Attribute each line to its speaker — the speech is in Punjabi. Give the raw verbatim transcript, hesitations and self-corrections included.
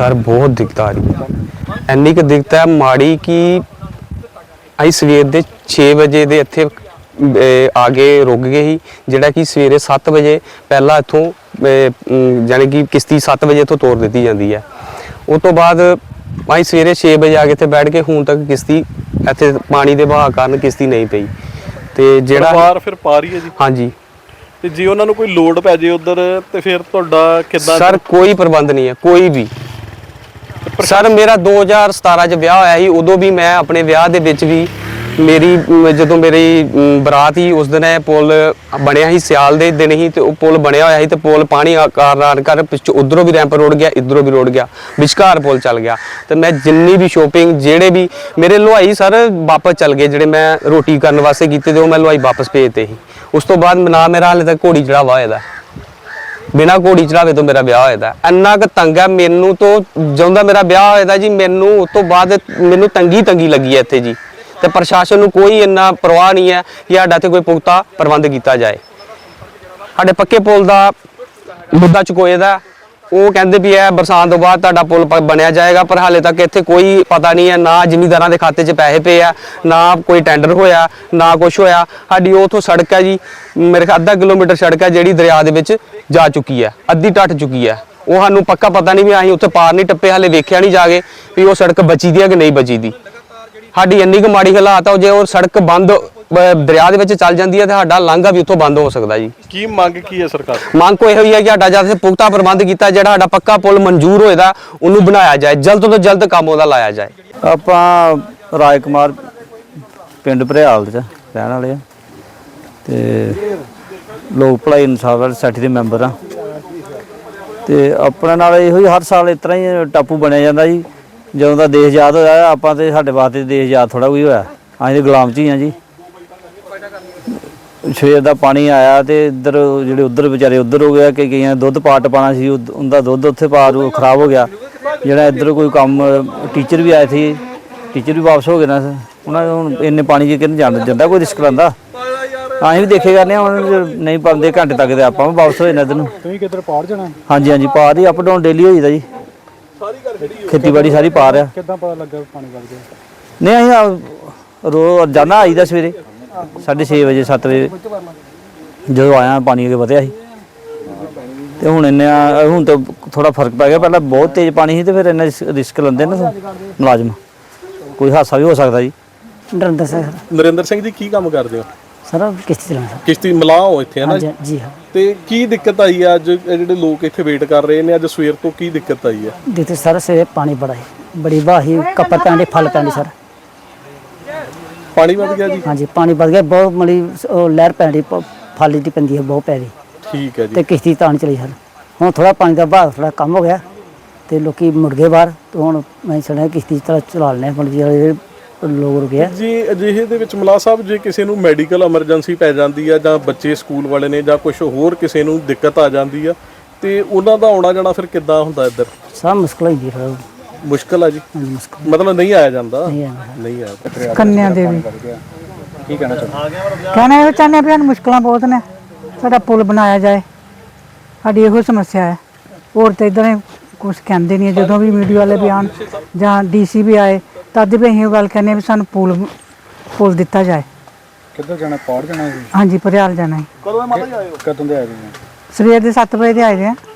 Speaker 1: सर बहुत दिक्कत आ रही है, इन्नी क दिक्कत है माड़ी कि अं सवेर के छे बजे के इत्थे आगे रुक गए ही, जिहड़ा कि सवेरे सत्त बजे पहला इत्थों जाने कि किश्ती सत्त बजे इत्थों तोड़ दी जाती है। उस तो बाद अं सवेरे छे बजे आके इत्थे बैठ के हुण तक किश्ती इत्थे पानी के बहाव कारण किश्ती नहीं पई ते जिहड़ा
Speaker 2: फिर पा रही है जी।
Speaker 1: हाँ जी,
Speaker 2: ਤੇ ਜੇ ਉਹਨਾਂ ਨੂੰ ਕੋਈ ਲੋਡ ਪੈ ਜੇ ਉਧਰ ਤੇ ਫਿਰ ਤੁਹਾਡਾ ਕਿੱਦਾਂ?
Speaker 1: सर कोई प्रबंध नहीं है, कोई भी। सर मेरा दो हज़ार सतारह च विआह होया ही, उदों भी मैं अपने विआह दे विच भी मेरी जदों मेरी बरात ही उस दिन पुल बनया ही, सियाल दे दिन ही ते पुल बनया होया ही ते पुल पानी कारण कर पिछों उधरों भी रैंप रोड गया, इधरों भी रोड गया, विचकार पुल चल गया। तो मैं जिन्नी भी शॉपिंग जेड़े भी मेरे लुहाई सर वापस चल गए, जेड़े मैं रोटी करने वास्ते कीते ते मैं लुहाई वापस भेजते ही। उस तो बाद ना मेरा हाले तक घोड़ी चढ़ावा होया, बिना घोड़ी चढ़ावे तो मेरा ब्याह होया। इन्ना क तंग है मैनू तो ਜਦੋਂ ਦਾ मेरा ब्याह होया जी, मैनू उस तो बाद मैनू तंगी तंगी लगी है इत्थे जी। तो प्रशासन नूं कोई इन्ना परवाह नहीं है कि साडा इत्थे कोई पुख्ता प्रबंध किया जाए। साडे पक्के पुल का मुद्दा चुकोए दा, वो कहते भी है बरसात तो बाद तुहाडा पुल बनया जाएगा, पर हाले तक इत्थे कोई पता नहीं है, ना जिमींदारां दे खाते च पैसे पे है, ना कोई टेंडर होया, ना कुछ होया। साडी उथों सड़क है जी, मेरे अद्धा किलोमीटर सड़क है जिहड़ी दरिया दे विच जा चुकी है, अद्धी टट चुकी है। वो सानूं पक्का पता नहीं भी असीं उत्थे पार नहीं टप्पे, हाले वेख्या नहीं जाके भी वो सड़क बची दी है कि नहीं बची दी। साडी इन्नी क माड़ी हालात है, जे वो सड़क बंद दरिया दे विच चल जाती है तो साडा लांघा भी उत्थों बंद हो सकता जी।
Speaker 2: की मंग की है सरकार?
Speaker 1: ਮੰਗ ਕੋਈ ਇਹੋ ਹੀ ਹੈ ਕਿ ਸਾਡਾ ਜਦ ਪੁਖਤਾ ਪ੍ਰਬੰਧ ਕੀਤਾ, ਜਿਹੜਾ ਸਾਡਾ ਪੱਕਾ ਪੁਲ ਮਨਜ਼ੂਰ ਹੋਏਦਾ ਉਹਨੂੰ ਬਣਾਇਆ ਜਾਏ, ਜਲਦ ਤੋਂ ਜਲਦ ਕੰਮ ਉਹਦਾ ਲਾਇਆ ਜਾਏ।
Speaker 3: ਆਪਾਂ ਰਾਜ ਕੁਮਾਰ ਪਿੰਡ ਭਰਿਆਲ ਦੇ ਰਹਿਣ ਵਾਲੇ ਆ ਤੇ ਲੋਕ ਭਲਾਈ ਇਨਸਾਫ ਵਾਲੀ ਸੋਸਾਇਟੀ ਦੇ ਮੈਂਬਰ ਆ ਤੇ ਆਪਣੇ ਨਾਲ ਇਹੋ ਹੀ ਹਰ ਸਾਲ ਇਸ ਤਰ੍ਹਾਂ ਹੀ ਟਾਪੂ ਬਣਿਆ ਜਾਂਦਾ ਜੀ। ਜਦੋਂ ਦਾ ਦੇਸ਼ ਆਜ਼ਾਦ ਹੋਇਆ ਆਪਾਂ ਤੇ ਸਾਡੇ ਵਾਸਤੇ ਦੇਸ਼ ਆਜ਼ਾਦ ਥੋੜਾ ਕੋਈ ਹੋਇਆ, ਅਸੀਂ ਤੇ ਗੁਲਾਮ 'ਚ ਹੀ ਆ ਜੀ। ਸਵੇਰ ਦਾ ਪਾਣੀ ਆਇਆ ਤੇ ਇੱਧਰ ਜਿਹੜੇ ਉੱਧਰ ਵਿਚਾਰੇ ਉੱਧਰ ਹੋ ਗਿਆ ਕਿ ਕਈਆਂ ਦੁੱਧ ਪਾਟ ਪਾਣਾ ਸੀ, ਉਹਦਾ ਦੁੱਧ ਉੱਥੇ ਪਾਰ ਖਰਾਬ ਹੋ ਗਿਆ। ਜਿਹੜਾ ਇੱਧਰ ਕੋਈ ਕੰਮ ਟੀਚਰ ਵੀ ਆਏ ਸੀ, ਟੀਚਰ ਵੀ ਵਾਪਸ ਹੋ ਗਏ ਨਾ, ਉਹਨਾਂ ਹੁਣ ਇੰਨੇ ਪਾਣੀ 'ਚ ਕਿਹਨੂੰ ਜਾਣ ਜਾਂਦਾ, ਕੋਈ ਰਿਸਕ ਲੈਂਦਾ। ਅਸੀਂ ਵੀ ਦੇਖੇ ਕਰਨੇ ਹੁਣ ਨਹੀਂ ਪਾਉਂਦੇ ਘੰਟੇ ਤੱਕ ਤੇ ਆਪਾਂ ਵੀ ਵਾਪਸ ਹੋ ਜਾਣਾ ਇੱਧਰ ਨੂੰ।
Speaker 4: ਤੁਸੀਂ ਕਿੱਧਰ ਪਾਰ ਜਾਣਾ?
Speaker 3: ਹਾਂਜੀ ਹਾਂਜੀ ਪਾਰ ਹੀ, ਅਪ ਡਾਊਨ ਡੇਲੀ ਹੋਈਦਾ ਜੀ, ਖੇਤੀਬਾੜੀ ਸਾਰੀ ਪਾਰ ਆ।
Speaker 4: ਕਿੱਦਾਂ ਪਤਾ ਲੱਗਾ ਪਾਣੀ ਵੱਗ ਗਿਆ?
Speaker 3: ਨਹੀਂ ਅਸੀਂ ਰੋਜ਼ ਜਾਣਾ ਆਈਦਾ ਸਵੇਰੇ ਸਾਢੇ ਛੇ ਵਜੇ ਸੱਤ ਵਜੇ ਜਦੋਂ ਆਇਆ ਪਾਣੀ ਅੱਗੇ ਵਧਿਆ ਸੀ ਤੇ ਹੁਣ ਇੰਨਾ ਹੁਣ ਤਾਂ ਥੋੜਾ ਫਰਕ ਪੈ ਗਿਆ। ਪਹਿਲਾਂ ਬਹੁਤ ਤੇਜ਼ ਪਾਣੀ ਸੀ ਤੇ ਫਿਰ ਇੰਨਾ ਰਿਸਕ ਲੈਂਦੇ ਨਾ ਮੁਲਾਜ਼ਮ, ਕੋਈ ਹਾਦਸਾ ਵੀ ਹੋ ਸਕਦਾ ਜੀ।
Speaker 5: ਨਰਿੰਦਰ ਸਿੰਘ
Speaker 2: ਨਰਿੰਦਰ ਸਿੰਘ ਜੀ ਕੀ ਕੰਮ ਕਰਦੇ ਹੋ?
Speaker 5: ਸਰ ਕਿਸ਼ਤੀ ਚਲਾਉਣਾ ਸਰ।
Speaker 2: ਕਿਸ਼ਤੀ ਮਲਾਹ ਹੋ ਇੱਥੇ ਹੈ ਨਾ
Speaker 5: ਜੀ ਹਾਂ।
Speaker 2: ਤੇ ਕੀ ਦਿੱਕਤ ਆਈ ਹੈ ਅੱਜ ਜਿਹੜੇ ਲੋਕ ਇੱਥੇ ਵੇਟ ਕਰ ਰਹੇ ਨੇ, ਅੱਜ ਸਵੇਰ ਤੋਂ ਕੀ ਦਿੱਕਤ ਆਈ ਹੈ?
Speaker 5: ਦਿੱਤੇ ਸਰ ਸਵੇਰੇ ਪਾਣੀ ਬੜਾ ਹੈ, ਬੜੀ ਵਾਹੀ ਕੱਪੜ ਪੈਂਦੇ ਫਲ ਪੈਂਦੇ ਸਰ।
Speaker 2: ਪਾਣੀ ਵੱਧ ਗਿਆ ਜੀ?
Speaker 5: ਹਾਂਜੀ ਪਾਣੀ ਵੱਧ ਗਿਆ ਬਹੁਤ, ਮਲੀ ਲਹਿਰ ਪੈਂਦੀ ਫਾਲੀ ਦੀ ਪੈਂਦੀ ਹੈ ਬਹੁਤ ਪੈ ਰਹੀ।
Speaker 2: ਠੀਕ ਹੈ ਜੀ।
Speaker 5: ਤੇ ਕਿਸ਼ਤੀ ਤਾਂ ਨਹੀਂ ਚਲੀ ਸਰ। ਹੁਣ ਥੋੜਾ ਪਾਣੀ ਦਾ ਬਹਾਅ ਥੋੜਾ ਕੰਮ ਹੋ ਗਿਆ ਤੇ ਲੋਕੀ ਮੁੜ ਗਏ ਬਾਹਰ, ਤੇ ਹੁਣ ਮੈਂ ਸੁਣਿਆ ਕਿਸ਼ਤੀ ਚਲਾ ਚਲਾ ਲੈਣੇ ਮਤਲਬ ਜਿਹੜੇ ਲੋਕ ਰੁਕੇ
Speaker 2: ਜੀ। ਅਜਿਹੇ ਦੇ ਵਿੱਚ ਮਲਾਹ ਸਾਹਿਬ ਜੇ ਕਿਸੇ ਨੂੰ ਮੈਡੀਕਲ ਐਮਰਜੈਂਸੀ ਪੈ ਜਾਂਦੀ ਆ ਜਾਂ ਬੱਚੇ ਸਕੂਲ ਵਾਲੇ ਨੇ ਜਾਂ ਕੁਝ ਹੋਰ ਕਿਸੇ ਨੂੰ ਦਿੱਕਤ ਆ ਜਾਂਦੀ ਆ ਤੇ ਉਹਨਾਂ ਦਾ ਆਉਣਾ ਜਾਣਾ ਫਿਰ ਕਿੱਦਾਂ ਹੁੰਦਾ ਇੱਧਰ?
Speaker 5: ਸਭ ਮੁਸ਼ਕਲ ਹੁੰਦੀ ਫਿਰ।
Speaker 2: ਮੁਸ਼ਕਲ ਆ ਜੀ,
Speaker 5: ਮੁਸ਼ਕਲ
Speaker 2: ਮਤਲਬ ਨਹੀਂ ਆਇਆ ਜਾਂਦਾ?
Speaker 5: ਨਹੀਂ ਆਉਂਦਾ।
Speaker 2: ਨਹੀਂ ਆਇਆ।
Speaker 6: ਕੰਨਿਆ ਦੇਵੀ
Speaker 2: ਕੀ ਕਹਿਣਾ ਚਾਹੁੰਦੇ?
Speaker 6: ਕਹਿਣਾ ਇਹ ਚਾਹੁੰਦੇ ਵੀ ਸਾਨੂੰ ਮੁਸ਼ਕਲਾਂ ਬਹੁਤ ਨੇ, ਸਾਡਾ ਪੁਲ ਬਣਾਇਆ ਜਾਏ, ਸਾਡੀ ਇਹੋ ਸਮੱਸਿਆ ਹੈ। ਹੋਰ ਤਾਂ ਇੱਦਾਂ ਕੁਛ ਕਹਿੰਦੇ ਨਹੀਂ, ਜਦੋਂ ਵੀ ਮੀਡੀਆ ਵਾਲੇ ਵੀ ਆਉਣ ਜਾਂ ਡੀ ਸੀ ਵੀ ਆਏ ਤਦ ਵੀ ਅਸੀਂ ਉਹ ਗੱਲ ਕਹਿੰਦੇ ਵੀ ਸਾਨੂੰ ਪੁਲ ਪੁਲ ਦਿੱਤਾ ਜਾਏ।
Speaker 4: ਕਿੱਧਰ ਜਾਣਾ? ਪਾਰ ਜਾਣਾ?
Speaker 6: ਹਾਂਜੀ ਭਰਿਆਲ ਜਾਣਾ ਹੈ।
Speaker 2: ਕਦੋਂ ਮਾਤਾ ਜੀ ਆਏ ਹੋ?
Speaker 4: ਕਦੋਂ ਦੇ ਆਏ ਜੀ?
Speaker 6: ਸਵੇਰ ਦੇ ਸੱਤ ਵਜੇ ਦੇ ਆਏ ਦੇ ਆ।